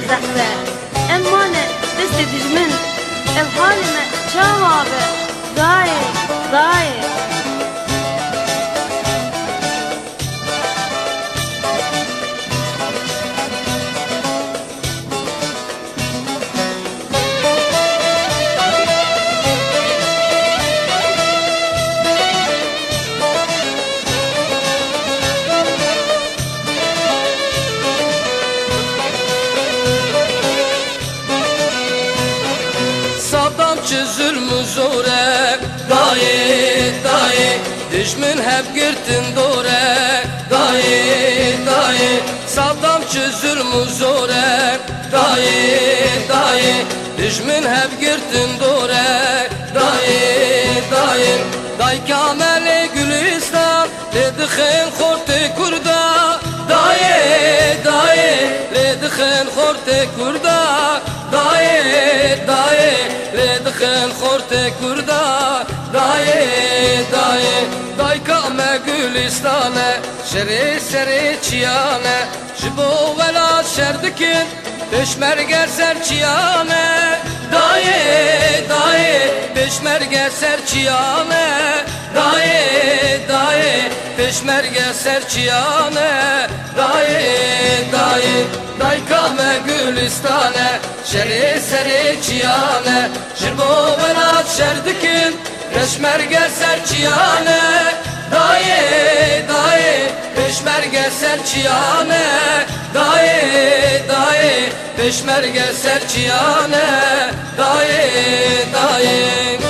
zehre emmane dest dijmin ev halime çavabe daye daye. Zulmü zore daye daye düşmün hep girtin dore daye daye Saddam zulmü zore daye daye düşmün hep girtin dore daye daye day kamele gülistan ledixin xorte kurda daye daye ledixin xorte kurda daye daye ledixin xorte kurda daye daye day kame gülistane şeri seri çiyane jibo velat şerdikin peşmerge serçiyane daye daye peşmerge serçiyane daye daye peşmerge serçiyane daye daye day kame gülistane şeri seri çiyane jibo velat şerdikin peşmerge serçiyane daye daye peşmerge serçiyane daye daye peşmerge serçiyane daye daye.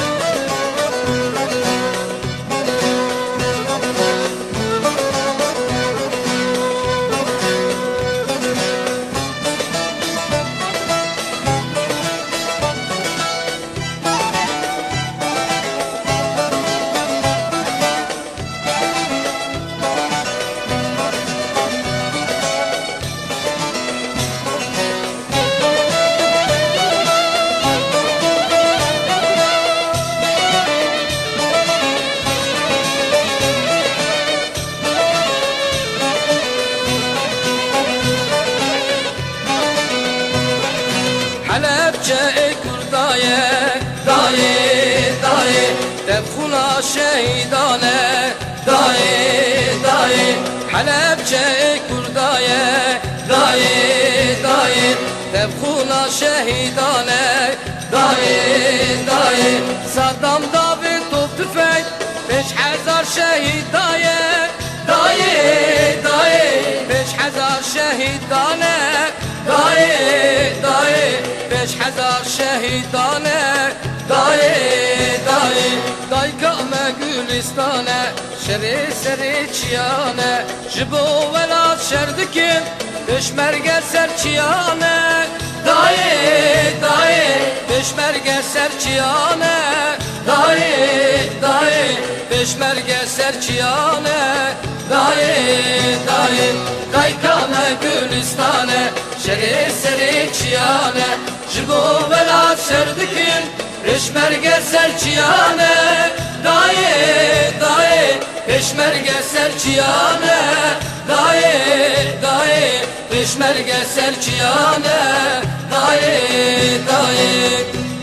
Halepçe kurdaye daye daye tebxuna şehidane daye daye Halepçe kurdaye daye daye tebxuna şehidane daye daye Saddam David top tüfek 5000 şehid daye daye daye 5000 şehidane daye daye 5000 şehidane daye daye day kame gülistane şeri seri çiyane jibo velat şerdikin peşmerge serçiyane daye daye peşmerge serçiyane daye daye peşmerge serçiyane daye daye day kame gülistane şeri seri çiyane jibo velat şerdikin peşmerge serçiyane daye daye peşmerge serçiyane daye daye peşmerge serçiyane daye daye.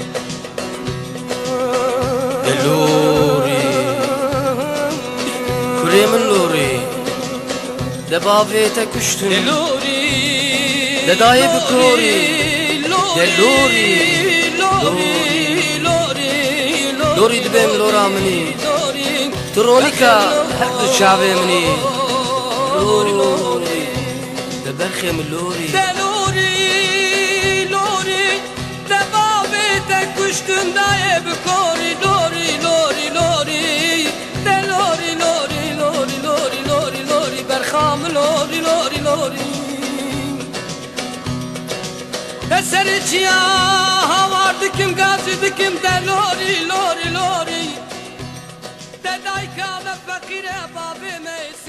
Luri Kuremin luri de bavete kuştun de daye bikori de luri لوري دبم لورا مني ترونيكا حد شعبي مني لوري دبخي من لوري لوري لوري دبابتك كشتن دايه بكوري لوري لوري لوري لوري لوري لوري لوري لوري لوري برخام لوري لوري لوري Esericiya havardı kim gazıydı kim de lori lori lori de dayka ve fakire babime